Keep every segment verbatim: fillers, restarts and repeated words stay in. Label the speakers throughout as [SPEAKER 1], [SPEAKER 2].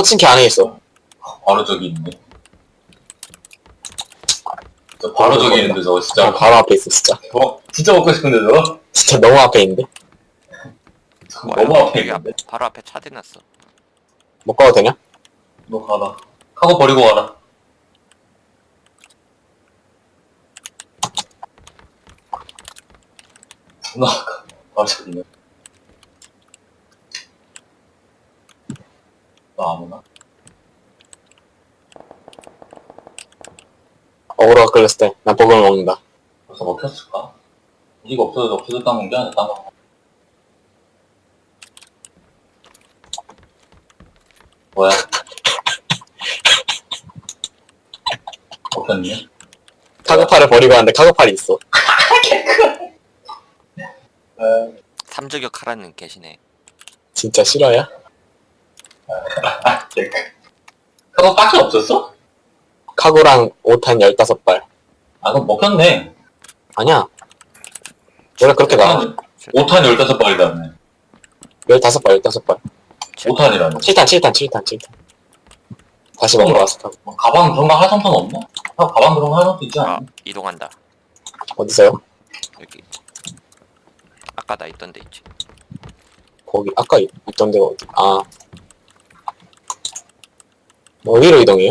[SPEAKER 1] 포칭키 안에 있어.
[SPEAKER 2] 바로 저기 있네. 저 바로 저기 있는데 저거 진짜.
[SPEAKER 1] 어, 바로 앞에 있어, 진짜.
[SPEAKER 2] 어, 진짜 먹고 싶은데 저거?
[SPEAKER 1] 진짜 너무 앞에 있는데?
[SPEAKER 2] 저거 너무 앞에
[SPEAKER 3] 여기
[SPEAKER 2] 있는데?
[SPEAKER 3] 앞, 바로 앞에 차 대놨어.
[SPEAKER 1] 못 가도 되냐?
[SPEAKER 2] 너 가라. 카고 버리고 가라. 나 바로 저기 있네. 나 아무나?
[SPEAKER 1] 어그로가 끌렸을 때, 난 버금을 먹는다.
[SPEAKER 2] 벌써 먹혔을까? 이거 없어져, 없어졌다는 게 아니라 딴 거. 뭐야? 먹혔니?
[SPEAKER 1] 카고팔을 버리고 왔는데 카고팔이 있어.
[SPEAKER 2] 에,
[SPEAKER 3] 삼저격 하라는 계시네.
[SPEAKER 1] 진짜 실화야?
[SPEAKER 2] 그거 밖에 없었어?
[SPEAKER 1] 카고랑 오탄 열다섯 발.
[SPEAKER 2] 아, 그럼 먹혔네.
[SPEAKER 1] 아니야. 원래 그렇게 나와.
[SPEAKER 2] 오 탄 열다섯 발이라네.
[SPEAKER 1] 열다섯 발, 열다섯 발.
[SPEAKER 2] 오 탄이라네.
[SPEAKER 1] 칠 탄, 칠 탄, 칠 탄, 칠 탄. 다시 먹으러 왔어, 카고.
[SPEAKER 2] 뭐, 가방 그런 거 할 상관 없나? 아, 가방 그런 거 할 상관 있지
[SPEAKER 3] 아,
[SPEAKER 2] 않나?
[SPEAKER 3] 이동한다.
[SPEAKER 1] 어디서요?
[SPEAKER 3] 여기. 아까 나 있던 데 있지.
[SPEAKER 1] 거기, 아까 있- 있던 데가 어디? 아. 뭐, 어디로 이동해요?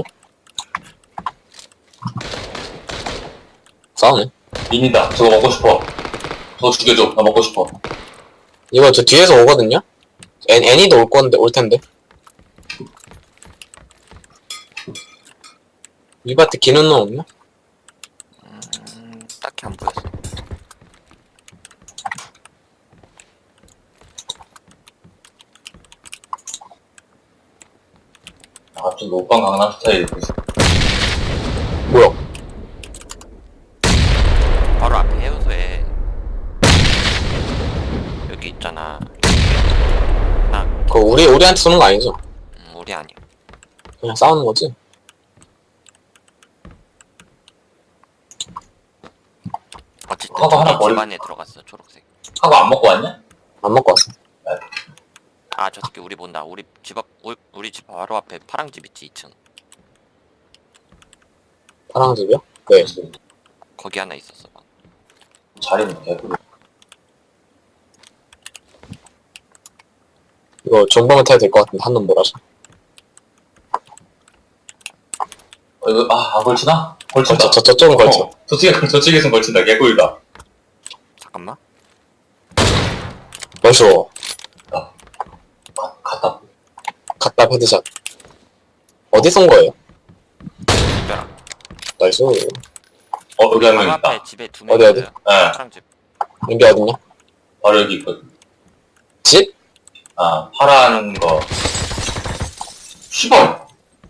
[SPEAKER 1] 싸우네.
[SPEAKER 2] 민이다. 저거 먹고 싶어. 저거 죽여줘. 나 먹고 싶어.
[SPEAKER 1] 이거 저 뒤에서 오거든요? 애, 애니도 올 건데, 올 텐데. 이 밭에 기는 놈 없나?
[SPEAKER 3] 음, 딱히 안 보였어.
[SPEAKER 2] 아, 좀 노빵 강남 스타일.
[SPEAKER 1] 뭐야?
[SPEAKER 3] 바로 앞에 해우소에 여기 있잖아. 나
[SPEAKER 1] 그거 우리, 우리한테 쏘는 거 아니죠?
[SPEAKER 3] 음, 우리 아니야.
[SPEAKER 1] 그냥 싸우는 거지?
[SPEAKER 3] 어쨌든
[SPEAKER 2] 카고 하나
[SPEAKER 3] 저기
[SPEAKER 2] 버리-
[SPEAKER 3] 집 안에 들어갔어. 초록색.
[SPEAKER 2] 하고 안 먹고 왔냐?
[SPEAKER 1] 안 먹고 왔어.
[SPEAKER 3] 아, 저 새끼 우리 본다. 우리 집 앞, 우리, 우리 집 바로 앞에 파랑 집 있지, 이 층.
[SPEAKER 1] 파랑 집이요? 네.
[SPEAKER 3] 거기 하나 있었어.
[SPEAKER 2] 자리는 개구리.
[SPEAKER 1] 이거 존버만 타야 될 것 같은데, 한 놈 몰아서.
[SPEAKER 2] 어, 이거, 아, 아, 걸치나? 걸친다.
[SPEAKER 1] 걸쳐, 저, 저쪽은 걸쳐.
[SPEAKER 2] 어, 저쪽에, 저쪽에선 걸친다. 개구리다.
[SPEAKER 3] 잠깐만.
[SPEAKER 1] 벌써,
[SPEAKER 2] 가, 갔다.
[SPEAKER 1] 갖다 헤드샷. 어디 쏜 거예요?
[SPEAKER 3] 특별한.
[SPEAKER 1] 나이스.
[SPEAKER 2] 어, 여기 한 명
[SPEAKER 3] 바로
[SPEAKER 2] 있다.
[SPEAKER 3] 앞에 집에 두 명
[SPEAKER 1] 어디, 어디?
[SPEAKER 3] 있어요.
[SPEAKER 2] 예,
[SPEAKER 3] 파랑 집.
[SPEAKER 1] 여기 어딨냐?
[SPEAKER 2] 바로 여기 있거든.
[SPEAKER 1] 집?
[SPEAKER 2] 아, 파란 거. 시벌!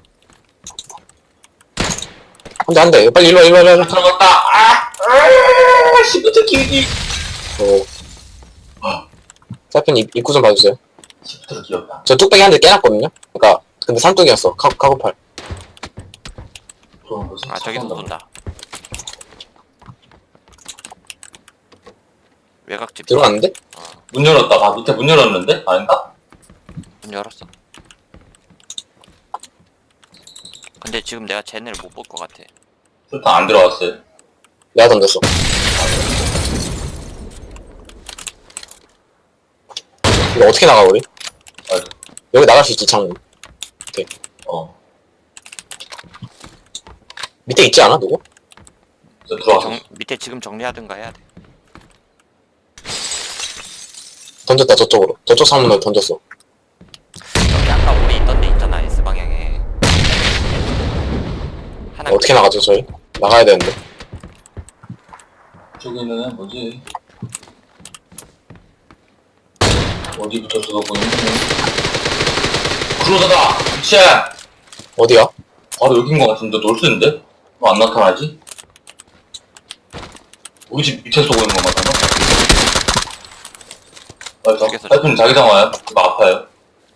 [SPEAKER 1] 한 대, 한 대. 빨리 일로 와, 일로 와, 일로 와.
[SPEAKER 2] 들어갔다! 아! 아! 시프트 키우기!
[SPEAKER 1] 오. 사편 입, 입구 좀 봐주세요.
[SPEAKER 2] 시프트로 귀엽다.
[SPEAKER 1] 저 뚝배기 한 대 깨놨거든요? 그니까, 근데 삼뚝이었어. 카, 카고팔.
[SPEAKER 2] 좋은 거지.
[SPEAKER 3] 아, 저기서 쏜다. 외곽집.
[SPEAKER 1] 들어갔는데?
[SPEAKER 3] 어,
[SPEAKER 2] 문 열었다. 봐, 밑에 문 열었는데? 아닌가?
[SPEAKER 3] 문 열었어. 근데 지금 내가 쟤네를 못 볼 것 같아.
[SPEAKER 2] 술탄 안 들어왔어요.
[SPEAKER 1] 내가 던졌어. 이거 어떻게 나가, 우리?
[SPEAKER 2] 아,
[SPEAKER 1] 여기 나갈 수 있지, 창문.
[SPEAKER 2] 어.
[SPEAKER 1] 밑에 있지 않아, 누구?
[SPEAKER 2] 저 들어왔어.
[SPEAKER 3] 정, 밑에 지금 정리하든가 해야 돼.
[SPEAKER 1] 던졌다, 저쪽으로. 저쪽 창문으로 던졌어.
[SPEAKER 3] 여기 아까 우리 있던 데 있잖아, S방향에. 하나
[SPEAKER 1] 어떻게 나가죠, 저희? 나가야 되는데.
[SPEAKER 2] 저기 있는 애 뭐지? 어디부터 쏘고 있는 크루저다! 미치야!
[SPEAKER 1] 어디야?
[SPEAKER 2] 바로 여긴 것 같은데 놀수있는데? 왜 안 나타나지? 우리 집 밑에 쏘고 있는 것 같나? 아, 저,
[SPEAKER 3] 죽였어,
[SPEAKER 2] 하여튼 자기장 와요. 이거 아파요.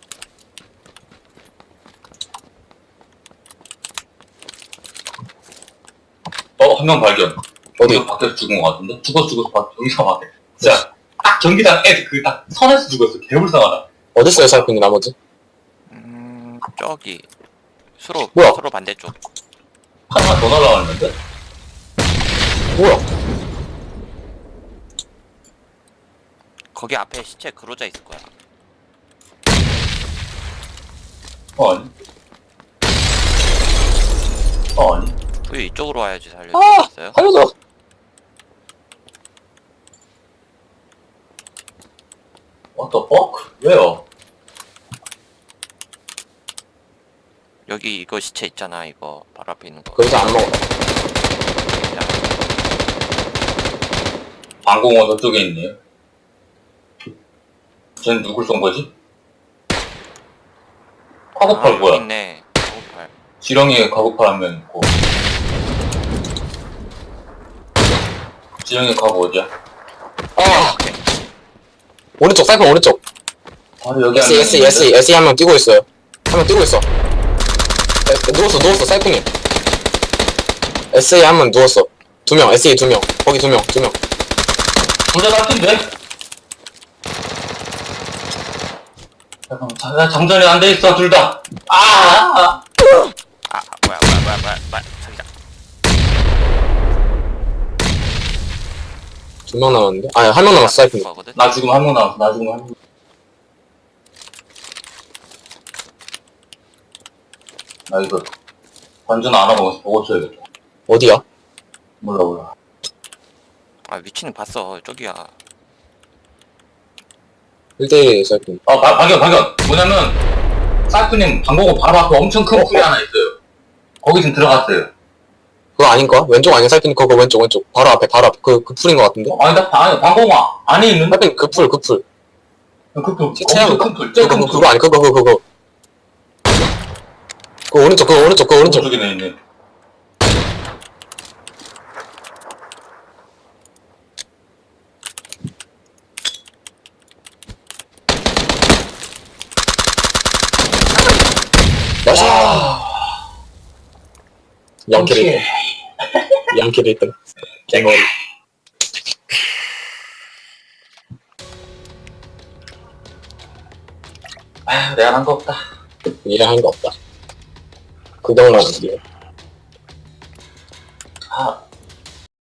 [SPEAKER 2] 어, 한 명 발견.
[SPEAKER 1] 어디?
[SPEAKER 2] 여기서 밖에서 죽은 것 같은데? 죽었어, 죽었어. 밖- 여기서 밖에. 진짜, 딱 전기장 애, 그, 딱, 선에서 죽었어. 개불쌍하다.
[SPEAKER 1] 어딨어요, 살핀이 나머지?
[SPEAKER 3] 음... 저기 수로
[SPEAKER 1] 뭐야?
[SPEAKER 3] 수로 반대쪽.
[SPEAKER 2] 하나 더 날라왔는데?
[SPEAKER 1] 뭐야?
[SPEAKER 3] 거기 앞에 시체 그로자 있을 거야.
[SPEAKER 2] 어, 아니. 어, 아니.
[SPEAKER 3] 우리 이쪽으로 와야지 살릴
[SPEAKER 1] 아!
[SPEAKER 3] 수 있어요.
[SPEAKER 1] 살려줘!
[SPEAKER 2] What the fuck? 왜요?
[SPEAKER 3] 여기 이거 시체 있잖아. 이거 바로 앞에 있는 거.
[SPEAKER 1] 그래서 안 먹어.
[SPEAKER 2] 방공호 저쪽에 있네요. 쟤는 누굴 쏜 거지? 카고팔
[SPEAKER 3] 아,
[SPEAKER 2] 뭐야?
[SPEAKER 3] 여기 있네. 카고팔.
[SPEAKER 2] 지렁이에 카고팔 한 명 있고. 지렁이 카고 어디야?
[SPEAKER 1] 아!
[SPEAKER 3] 오케이.
[SPEAKER 1] 오른쪽, 사이판 오른쪽.
[SPEAKER 2] 바로 여기
[SPEAKER 1] S, S, S, S 한 명 뛰고 있어요. 한 명 뛰고 있어. 에, 누웠어, 누웠어, 사이판이. 에스에이 한 명 누웠어. 두 명, 에스에이 두 명. 거기 두 명, 두 명.
[SPEAKER 2] 둘다 같은데? 잠깐만, 자- 장전이 안 돼 있어, 둘 다. 아! 아!
[SPEAKER 3] 아 뭐야 뭐야 뭐야 뭐야 뭐야 자기장.
[SPEAKER 1] 두 명 남았는데? 아니, 한 명 남았어, 사이판이.
[SPEAKER 3] 거거든.
[SPEAKER 2] 나 지금 한 명 남았어, 나 지금 한 명. 나 이거, 관전 안 하고 보고 쳐야겠다.
[SPEAKER 1] 어디야?
[SPEAKER 2] 몰라, 몰라.
[SPEAKER 3] 아 위치는 봤어. 저기야.
[SPEAKER 1] 일 대일 사이판.
[SPEAKER 2] 아, 바, 발견, 발견! 뭐냐면, 사이프님 방공호 바로 앞에 엄청 큰 풀이 하나 있어요. 거기 지금 들어갔어요.
[SPEAKER 1] 그거 아닌가? 왼쪽 아니야, 사이판이? 그거 왼쪽, 왼쪽. 바로 앞에, 바로 앞에. 그, 그 풀인 것 같은데?
[SPEAKER 2] 어, 아니, 나, 아니, 방공호 안에 있는?
[SPEAKER 1] 사이판이 그 풀, 그 풀.
[SPEAKER 2] 그 풀,
[SPEAKER 1] 시체하고
[SPEAKER 2] 엄청 큰 풀, 제일
[SPEAKER 1] 그거,
[SPEAKER 2] 큰
[SPEAKER 1] 그거,
[SPEAKER 2] 풀.
[SPEAKER 1] 그거 아니, 그거, 그거, 그거. 그거 오른쪽, 그거 오른쪽, 그거 오른쪽.
[SPEAKER 2] 오른쪽에 있네.
[SPEAKER 1] 나이스!
[SPEAKER 2] 와.
[SPEAKER 1] 양키를,
[SPEAKER 2] 오케이.
[SPEAKER 1] 양키를 했던. 갱머리.
[SPEAKER 2] 아휴, 내가 한 거 없다.
[SPEAKER 1] 이해한 거 없다. 그정만 안 돼.